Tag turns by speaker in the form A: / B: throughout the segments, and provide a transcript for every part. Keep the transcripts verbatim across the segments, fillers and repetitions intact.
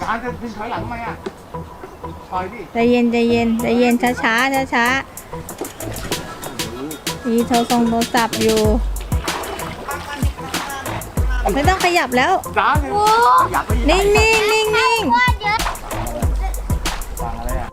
A: จานจะดึงถอยหลังทำไมอ่ะปล่อยดิ
B: ใจเย็นใจเย็นใจเย็นช้าช้าช้าช้ามีโทรทรงโทรศัพท์อยู่ไม่ต้องขยับแล้ว
A: จานอยากไป
B: นิ่งนิ่งนิ่งนิ่ง
A: ฟังอะไรอ่ะ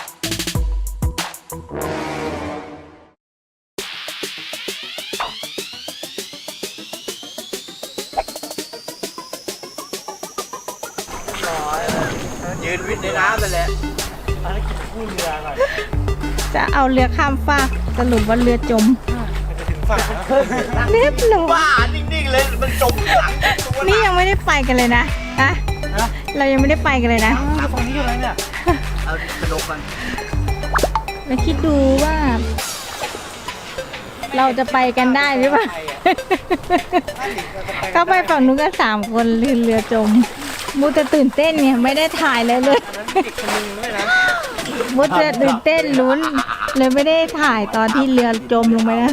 A: ยืนวิทย์ในน้ำไปเลยอะไรกินคู่เรือหน่อย
B: จะเอาเรือข้ามฟากสรุปว่าเรือจม
A: จะถึงฝั่งแล้ว
B: เรียบร้อย
A: บ้านิ่งๆเลยมันจมหลังตัว
B: นี่ยังไม่ได้ไปกันเลยนะอะเรายังไม่ได้ไปกันเลยนะ
A: ตรงนี้อยู่อะไรเนี่ยเอากระโดดกัน
B: มาคิดดูว่า เราจะไปกันได้หรือเปล่าก็ไปฝั่งนู้นกันสามคนเรือเรือจมมูจะตื่นเต้นเนี่ยไม่ได้ถ่ายเลยเลยมูจะตื่นเต้นลุ้นเลยไม่ได้ถ่ายตอนที่เรือจมลงไปนะ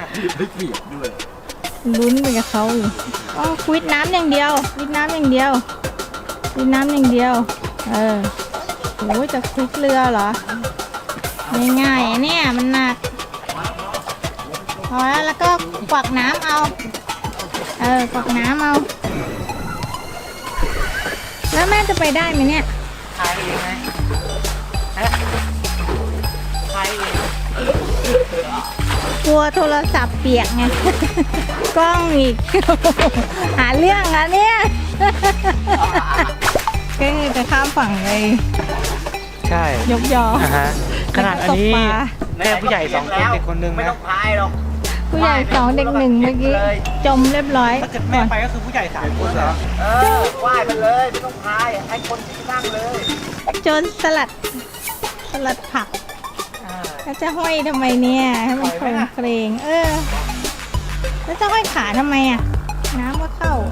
B: ลุ้นไปกับเขาอยู่อ๋อวิดน้ำอย่างเดียววิดน้ำอย่างเดียววิดน้ำอย่างเดียวเออโอ้ยจะคลิกเรือเหรอง่ายๆเนี่ยมันหนักพอแล้วแล้วก็กวักน้ำเอาเออกวักน้ำเอาแล้วแม่จะไปได้ไหมเนี่ย
A: ทายเองไหมฮะทายเอง
B: กลัวโทรศัพท์เปียกไง กล้องอีก หาเรื่องอ่ะเนี่ยก็คือจะข้ามฝั่งเลย
C: ใช่
B: ยกยอ
C: อ่าฮะขนาดอันนี้
B: ตกปลา
C: แม่ผู้ใหญ่สองคนเด็กคนหนึง
A: ไม่
C: นะ
A: ต้องพายหรอก
B: ผู้ใหญ่สองเด็กหนึ่งเมื่อกี้จมเรียบร้อย
C: ถ้าเกิดแม่ไปก็คือผู้ใหญ่สามคนเหรอ
A: เออว่ายไปเลยไม่ต้องพายให้คนที่นั่งเลย
B: จนสลัดสลัดผักแล้วจะห้อยทำไมเนี่ยให้มันโครงเครง เออ แล้วจะห้อยขาทำไมอ่ะ น้ำก็เข้า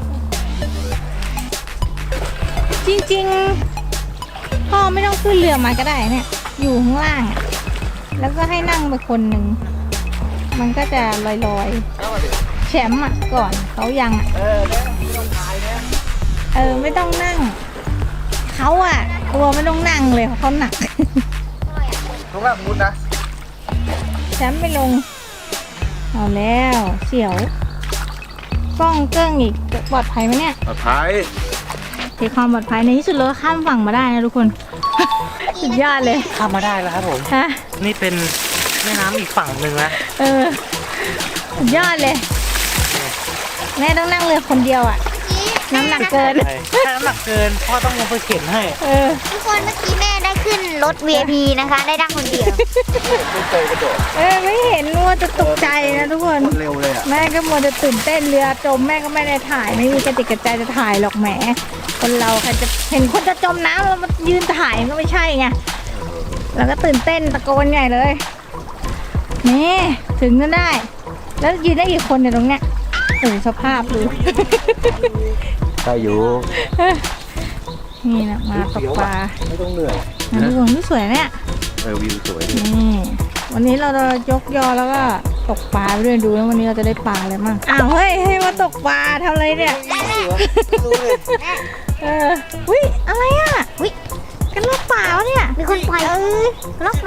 B: จริงๆพ่อไม่ต้องขึ้นเรือมาก็ได้เนี่ย อยู่ข้างล่างอ่ะแล้วก็ให้นั่งไปคนหนึ่งมันก็จะลอยๆแชมป์อ่ะก่อนเขายังอ่ะ
A: เออเนี่ยไม่ต้องพายเนี่ย
B: เออไม่ต้องนั่งเขาอ่ะตัวไม่ต้องนั่งเลยเพราะเขาหนัก
A: ตรงนั้นมุดนะ
B: แชมป์ไม่ลงเอาแล้วเสียวกล้องเกิ้งอีกจะปลอดภัยไหมเนี่ย
A: ปลอดภัย
B: เทความปลอดภัยในที่สุดเราก็ข้ามฝั่งมาได้นะทุกคน สุดยอดเลย
C: ข้ามมาได้แล้วครับผม
B: ฮะ
C: นี่เป็นแม่น้ำอีกฝั่งหนึ่งนะ
B: เออสุดยอดเลย แม่ต้องนั่งเรือคนเดียวอ่ะ น้ำหนักเกิน
C: ถ้าน้ำหนักเกินพ่อต้องลงไปเข็นให้
B: เออ
D: ทุกคนเมื่อกี้แม่ได้ขึ้นรถ วี ไอ พี นะคะ ได้นั่งคนเดียว
A: ไม่เคยกระโดด
B: เออไม่เห็นมัวจะตกใจนะทุกคน
A: เร็วเลยอ่ะ
B: แม่ก็มัวจะตื่นเต้นเรือจมแม่ก็ไม่ได้ถ่ายไม่มีกระติกกระใจจะถ่ายหรอกแหมคนเราใครจะเห็นคนจะจมน้ำแล้วมายืนถ่ายก็ไม่ใช่ไงเราก็ตื่นเต้นตะโกนใหญ่เลยนี่ถึงก็ได้ แล้วยืนได้กี่คนเนี่ยตรงเนี้ยโอ้สภาพดู
A: ได้อยู่
B: นี่นะมาตกปลา
A: ไม่ต้องเหนื่อย
B: นะทุกคนนี่สวยเนี่ย
A: เออวิวสวยดี
B: นี่วันนี้เราจะยกยอแล้วก็ตกปลาไปด้วยดูแล้ววันนี้เราจะได้ปลาอะไรมั่งอ้าวเฮ้ยให้มาตกปลาทำอะไรเนี่ยเอออุ้ยอะไรอ่ะอุ้ยกันลอกปลาวะเนี่ย
D: มีคนปล่อย
B: เออ
D: ล็อกมา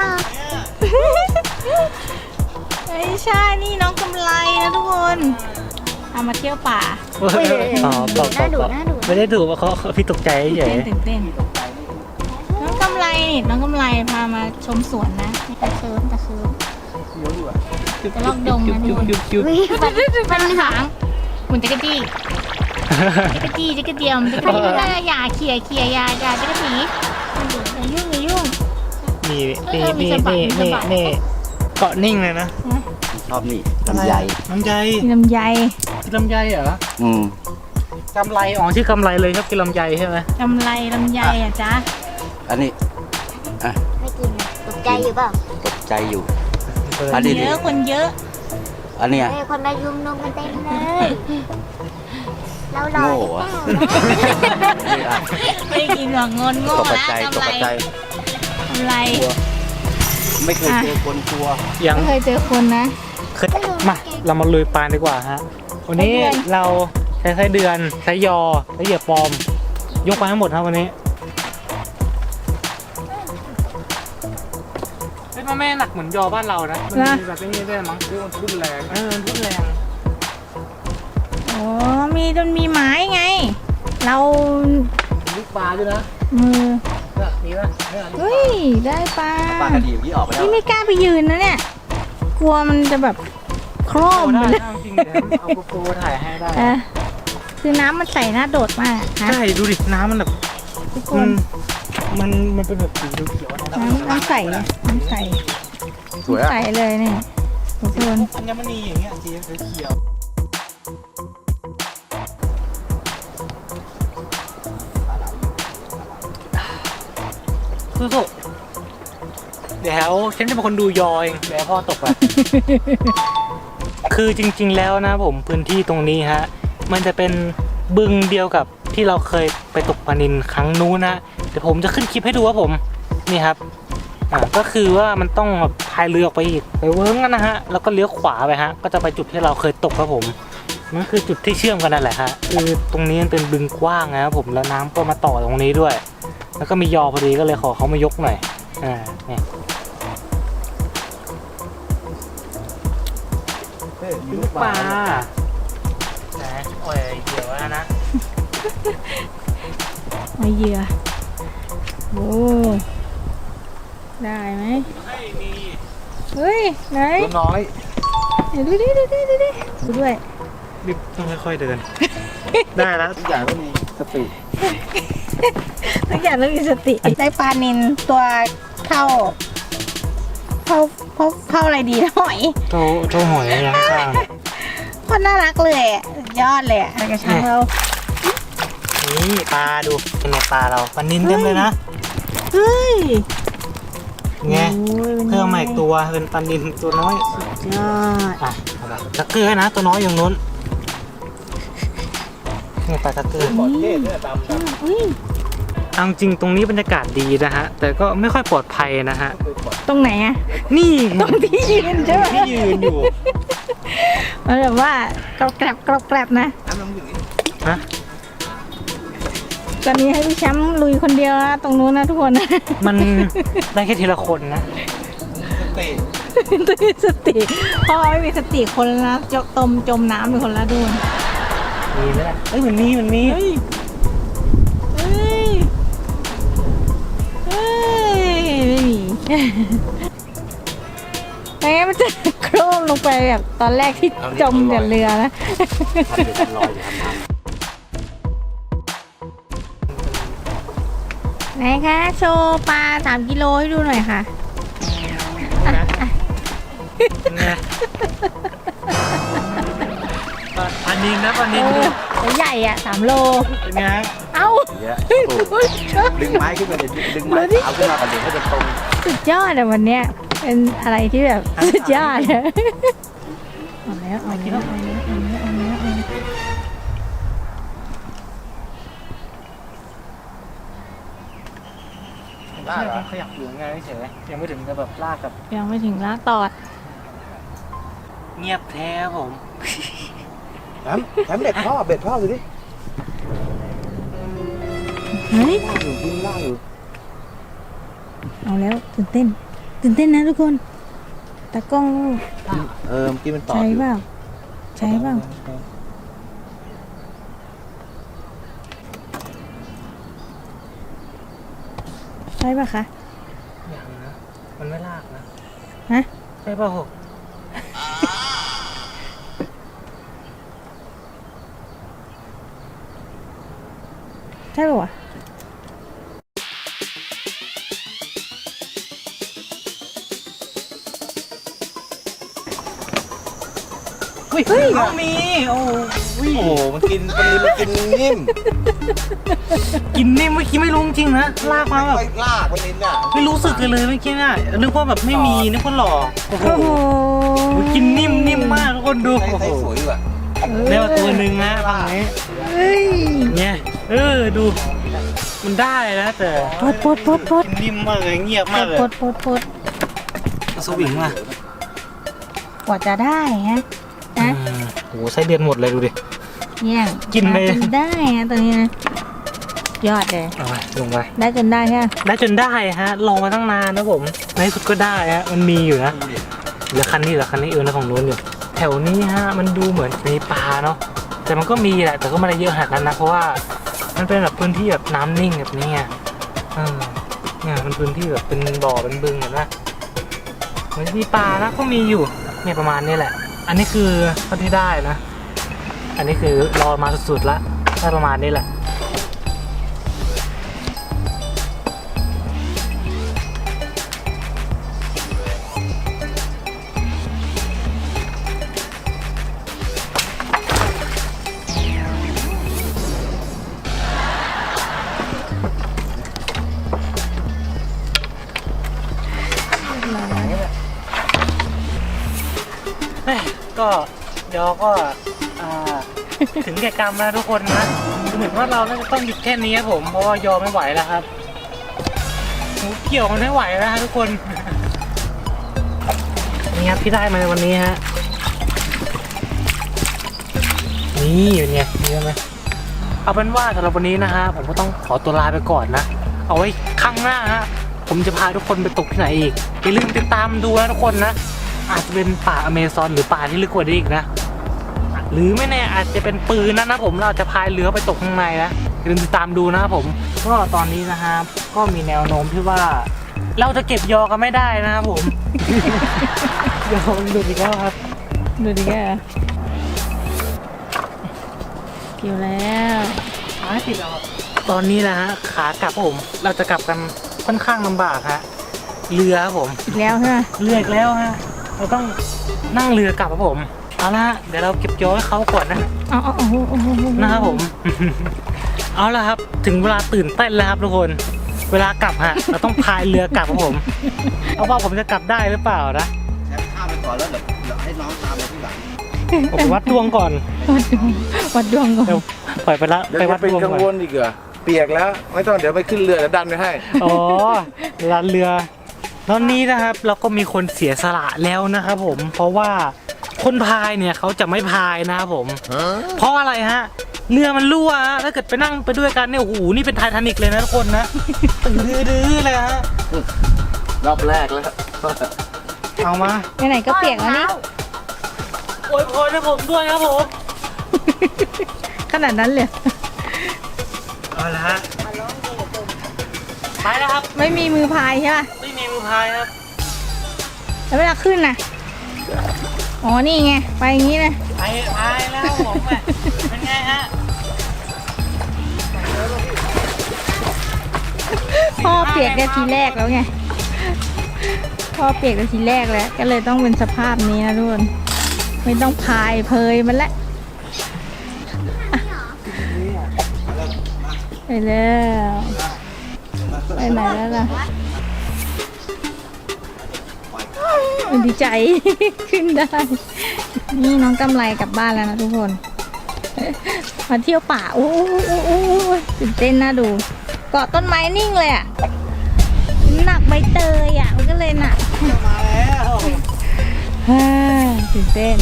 B: ไม่ใช่นี่น้องกำไรนะทุกคนเอามาเที่ยวป่า
C: อ๋อบอกบอกบอกไม่ได้ถูกว่าเขาพี่ตกใจเฉ
B: ตื่น
C: ย
B: เต้นตื่นเต้นน้องกำไรนี่น้องกำไรพามาชมสวนนะตะเคิร์มตะเคิร์มจะลอกดงนะทุกคน
C: ยุบยุบ
D: อุ๊ยมัน
B: มันหางหมุนจักรจี้จักรจี้จักรเดียมจักรจี้ก็อย่าเขี่ยเขี่ยอย่าอย่าจักรจีอย่ายุ่งอย่ายุ่ง
C: นี่
B: เอ
C: นี่
B: อมี
C: นี่
B: สะบัด
C: นี่
B: มีสะ
C: นี่
B: บัด
C: นี่เกาะนิ่งเลยนะ
A: ชอบนี่ลำไย
C: น้ำใจ
B: มีลำไย
C: กินลำไยเหรอ
A: อืม
C: กำไรอ๋อชื่อกำไรเลยชอบกินลำไยใช่ไหม
B: กำไรลำไยอ่ะจ๊ะ
A: อันนี้อ่ะ
D: ไม่กินอะตกใจอยู่เปล่า
A: ตกใจอยู่
C: เออ
A: อันนี้
B: เยอะคนเยอะ
A: อันเนี้ย
D: เฮ้ยคนมายุมนุมกันเต็มเลย เรารอ
A: โง่
D: เป
A: อะ
D: ล่า
B: ไม่กินหรอกงนโง่
A: ตก
B: แล้ว
A: ใจต
B: กำไร
A: กใจ
B: กำไร
A: กลัวไม่เคยเจอคนกลัว
C: ยัง
B: ไม่เคยเจอคนนะ
C: เคยมาเรามาลุยปลาดีกว่าฮะวันนี้
B: ไส้เดือน
C: เราใช้ไส้เดือนใช้ยอใช้เหยื่อปลอม ยกมาให้หมดครับวันนี้มันไม่หนักเหมือนยอบ้านเรานะมันมีแบบนี้ด้วยมั้งคือมันทุ่นแรงเออทุ่นแรง
B: โอ้มีจนมีไม้ไง เรา
C: ลูกปลาด้วยนะ
B: มือ
C: เนี่ยมีป่ะเนี่ย
B: เฮ้ยได้ปลา
A: ปลากระดีที่ออกไปแล้ว
B: นี่ไม่กล้าไปยืนนะเนี่ย กลัวมันจะแบบโครมไป
C: ได้
B: เลย
C: จริงๆเดี๋ยวเอาโกโปรถ่ายให้ได้
B: เออคือน้ำมันใสน่าโดดมากฮะ
C: ใช่ดูดิน้ำมันแบบ
B: ทุกค
C: มัน นมันมันเป็นแบบสีเขียวๆนะ
B: น้ำน้ำใสนะน้ำใส
A: สวยอ่ะ
B: ใสเลยเนี่ยทุกคน
C: อัญมณีอย่างเงี้ยสีเขียวสู้ๆเดี๋ยวฉันจะเป็นคนดูยอเองเดี๋ยวพ่อตกไป คือจริงๆแล้วนะผมพื้นที่ตรงนี้ฮะมันจะเป็นบึงเดียวกับที่เราเคยไปตกปลานิลครั้งนู้นนะเดี๋ยวผมจะขึ้นคลิปให้ดูว่าผมนี่ครับอ่าก็คือว่ามันต้องแบบพายเรือออกไปอีกไปเวิ้งกันนะฮะแล้วก็เลี้ยวขวาไปฮะก็จะไปจุดที่เราเคยตกครับผมนั่นคือจุดที่เชื่อมกันนั่นแหละฮะคือตรงนี้มันเป็นบึงกว้างนะครับผมแล้วน้ำก็มาต่อตรงนี้ด้วย แล้วก็มียอพอดีก็เลยขอเขามายกหน่อยอ่าเนี่ย ลูกปลานะโอ้ยเดี๋ยวแล้วนะ
B: มาเหยื่อโอ้ได้ไหม
C: ไม่มี
B: เฮ้ยไหน
A: ตัวน้อย
B: เดี๋ยวดูดิดูดิดูดิดูด้วย
C: รีบต้องค่อยๆเดิน ได้แล้ว
A: ทุกอย่างต้องมีสติ
B: ทุกอย่างต้องมีสติได้ปลานินตัวเท่าเท่าเท่าเท่าอะไรดีนะหอย
C: โตโตหอยยังข้าง
B: คนน่ารักเลยอะสุดยอดเลยอะกระชังเรา
C: นี่ปลาดูเป็นไงปลาเราปลานินเต็มเลยนะ
B: เฮ้ย
C: ไง
B: โอ้ยป็นไง
C: เพิ่มมาอีกตัวเป็นปลานินตัวน้อย
B: ยอด
C: อ่ะเอาละตะเกียนะตัวน้อยอย่างนู้นนี่ปลาตะเกีย
A: ขอเทศเนี่ยดำดำ
B: อุ้ย
C: เอาจริงตรงนี้บรรยากาศดีนะฮะแต่ก็ไม่ค่อยปลอดภัยนะฮะ
B: ตรงไหนอะ
C: นี่
B: ตรงที่ยืนใช่ไหม
C: ที่ยืนอยู่
B: มันแบบว่ากรอบแกรบกรอบแกรบนะ
A: น้ำน้ำอยู่นี่
C: ฮะ
B: ตอนนี้ให้พี่แชมป์ลุยคนเดียวนะตรงนู้นนะทุกคน
C: มันได้แค่ทีละคนนะ
A: สติ
B: ต้องมีสติพ่อไม่มีสติคนละนะจมตมจมน้ำเป็นคนละดูน
C: มีไหมล่ะเอ้ยมันมีมันมี
B: เฮ้ยเฮ้ยเฮ้ยไม่มีไม่งั้นมันจะโครมลงไปแบบตอนแรกที่จมกับเรือนะ
A: ทำเป็นลอยอยู่ทำน้ำ
B: ไหนคะโชว์ปลาสามกิโลให้ดูหน่อยค่ะ
C: ไงปลานินนะปลานิน
B: เอ
C: ดู
B: อตัวใหญ่อ่ะสามโล
C: เป็นไง
B: เอ้า
A: อย่างเงี้ยโอ้โหดึงไม้ขึ้นมาเดี๋ยวดึงไม้เอาขึ้นมาก่อนเดี๋ยวให้มันตรง
B: สุดยอดอะวันเนี้ยเป็นอะไรที่แบบสุดยอดเลยเอาแล้วเอาแล้วเอาแล้วเอาแล้วเอาแล้วเอาแล้ว
C: ได้เหรอขยับอยู่ไงเฉยยังไม่ถึงกับแบบลากกับ
B: ยังไม่ถึงละตอด
C: เงียบแท้ผม
A: แถมแถมเบ็ดพ่อเบ็ดพ่อดูดิ
B: เฮ้ย
A: ล่างอยู่กินล่างอยู่
B: เอาแล้วตื่นเต้นตื่นเต้นนะทุกคนตากล้อง
A: เออเมื่อกี้มันต่อ
B: ใช้
A: อยู่
B: เปล่าใช้เปล่าใช่ป่ะคะ
C: อย่างนะมันไม่ลากนะ
B: ฮะ
C: ใช่ป่ะหก
B: ใช่ป่ะวะเฮ้ย
C: ต้องมีโอ้ย
A: โอ้โหมันกินมันมันกินนิ่ม
C: กินนี่เมื่อกี้ไม่รู้จริงๆนะลากมาแบบ
A: ไม่ลากมันนินอ่ะ
C: ไม่รู้สึกเลยเลยเมื่อกี้น่ะนึกว่าแบบไม่มีนึกว่าหลอกโอ้โห
B: โอ้โห
C: กินนิ่มนิ่มมากทุกคนดู
A: ใส่
C: โอ้
A: ใส่
C: โห
A: สวยอยู่อ่ะ
C: เรียกว่าตัวหนึ่งนะฝั่งนี้
B: เฮ้ย
C: เนี่ยเออดู มันได้นะแต่
B: ปดปดปดปด
C: กินนิ่มมากเลยเงียบ
B: ป
C: มาก
B: ด
C: เลย
B: ปดปดปด
C: สวิงมา
B: กว่าจะได้ฮะนะ
C: โอ้โหไส้เดือนหมดเลยดูดิ
B: แย่ง
C: กินเลย
B: มาจได้ฮะตัวนี้นะยอดเลย
C: เอาไปลงไป
B: ได้จนได้ใช่ไหม
C: ได้จนได้ฮะลองมาตั้งนานนะผมในที่สุดก็ได้ฮะมันมีอยู่นะเหลือคันนี้เหลือคันนี้เออนะของนู้นอยู่แถวนี้ฮะมันดูเหมือนมีปลาเนาะแต่มันก็มีแหละแต่ก็ไม่ได้เยอะขนาดนั้นนะเพราะว่ามันเป็นแบบพื้นที่แบบน้ำนิ่งแบบนี้ไงเออเนี่ยมันพื้นที่แบบเป็นบ่อเป็นบึงเห็นไหมมันมีปลานะก็มีอยู่เนี่ยประมาณนี้แหละ อันนี้คือเท่าที่ได้นะ อันนี้คือรอมาสุดๆแล้วได้ประมาณนี้แหละแม่ก็เดี๋ยวก็อ่า ถึงแก่กรรมแล้วทุกคนนะเหมือนว่าเราน่าจะต้องหยุดแค่นี้ครับผมเพราะว่ายอมไม่ไหวแล้วครับหนูเกี่ยวมันไม่ไหวแล้วฮะทุกคนนี่ครับที่ได้มาในวันนี้ฮะนี่อยู่เนี่ยนี่ใช่ไหมเอาเป็นว่าสำหรับวันนี้นะฮะผมก็ต้องขอตัวลาไปก่อนนะเอาไว้ครั้งหน้าฮะผมจะพาทุกคนไปตกที่ไหนอีกอย่าลืมติดตามดูนะทุกคนนะอาจจะเป็นป่าอเมซอนหรือป่าที่ลึกกว่านี้อีกนะหรือไม่แน่อาจจะเป็นปืนนะนะผมเราจะพายเรือไปตกข้างในนะอย่าลืมติดตามดูนะครับผมก็ตอนนี้นะครับก็มีแนวโน้มที่ว่าเราจะเก็บยอกันไม่ได้นะครับผม ยอมันหลุดอีกแล้วครับ
B: ดูดิแกเกี่ยวแล้ว
C: ขาติดแล้วตอนนี้นะฮะขากลับผมเราจะกลับกันค่อนข้างลำบากฮะเรือครับผม
B: อีกแล้วใช่ไหม
C: เรืออีกแล้วฮะเราต้องนั่งเรือกลับครับผมเอาละเดี๋ยวเราเก็บยอให้เขาก่อนนะ
B: อ๋อโอ้โหโอ้โห
C: นะครับผม เอาละครับถึงเวลาตื่นเต้นแล้วครับทุกคนเวลากลับฮะเราต้องพายเรือกลับครับผมเอาว่าผมจะกลับได้หรือเปล่านะ
E: แชมป์ข้ามไปก่อนแล้วเดี๋ยวเดี๋ยวให้น้องตามมาที่หลัง
C: ผมไปวัดดวงก่อน
B: วัดดวงวัดดวงก่อน
C: เดี๋ยวปล่อยไปละ
E: เดี๋ยว
C: ไป
E: จะ
C: วัด
E: เป็น
C: ดวง
E: กัง
C: ก่
E: ว
C: อน
E: ลอีกเหรอเปียกแล้วไม่ต้องเดี๋ยวไปขึ้นเรือเดี๋ยวดันไปให้
C: อ๋อลานเรือตอนนี้นะครับเราก็มีคนเสียสละแล้วนะครับผมเพราะว่าคนพายเนี่ยเขาจะไม่พายนะครับผม เพราะอะไรฮะเรือมันรั่วฮะถ้าเกิดไปนั่งไปด้วยกันเนี่ยโอ้โหนี่เป็นไททานิกเลยนะทุกคนนะตื่นดื้อๆเลยฮะ
E: รอบแรกแล้ว
C: เอามา
B: ไหนๆก็เปียกแล้วนี่
C: โอ้ยพรให้ผมด้วยครับผม
B: ขนาดนั้นเลย
C: เอาละฮะไปแล้วครับ
B: ไม่มีมือพายใช่ป่ะ
C: ไม่มีมือพายครับ
B: แล้วเวลาขึ้นน่ะอ๋อนี่ไงไปอย่างนี้เลย
C: ไปพายแล้วผมอ่ะเป็นไงฮะ
B: พ่อเปียกได้ทีแรกแล้วไงพ่อเปียกได้ทีแรกแล้วก็เลยต้องเป็นสภาพนี้นะทุกคนไม่ต้องพายเพยมันละไปแล้วไปไหนแล้วล่ะดีใจ ขึ้นได้ นี่น้องกำไรกลับบ้านแล้วนะทุกคนมาเที่ยวป่าโอ้โหตื่นเต้นน่าดูเกาะต้นไม้นิ่งเลยอ่ะหนักใบเตยอ่ะมันก็เลยหนัก
C: มาแล้ว
B: ฮ่าตื่นเต้น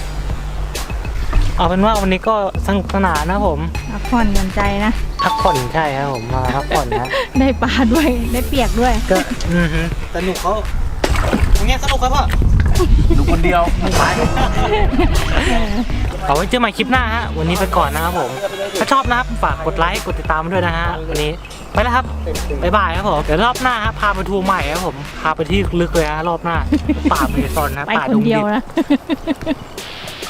C: เอาเป็นว่าวันนี้ก็สนุกสนานนะผม
B: พักผ่อนหย่อนใจนะ
C: พักผ่อนใช่ครับผมมาพักผ่อนนะ
B: ได้ปลาด้วยได้เปียกด้วย
C: ก็อือฮึสนุกเขาอย่างเงี้ยสนุกครับพ่อ
E: ดูคนเดียวไป
C: เอาไว้เจอใหม่คลิปหน้าฮะวันนี้ไปก่อนนะครับผมถ้าชอบนะครับฝากกดไลค์กดติดตามด้วยนะฮะวันนี้ไปแล้วครับบ๊ายบายครับผมเดี๋ยวรอบหน้าฮะพาไปทัวร์ใหม่ครับผมพาไปที่ลึกเลยฮะรอบหน้าป่าเมซอนนะ
B: ไป
C: ป่า
B: ค
C: ด
B: น
C: ง
B: เดี
C: ดิ
B: ยว
C: บ
B: นะ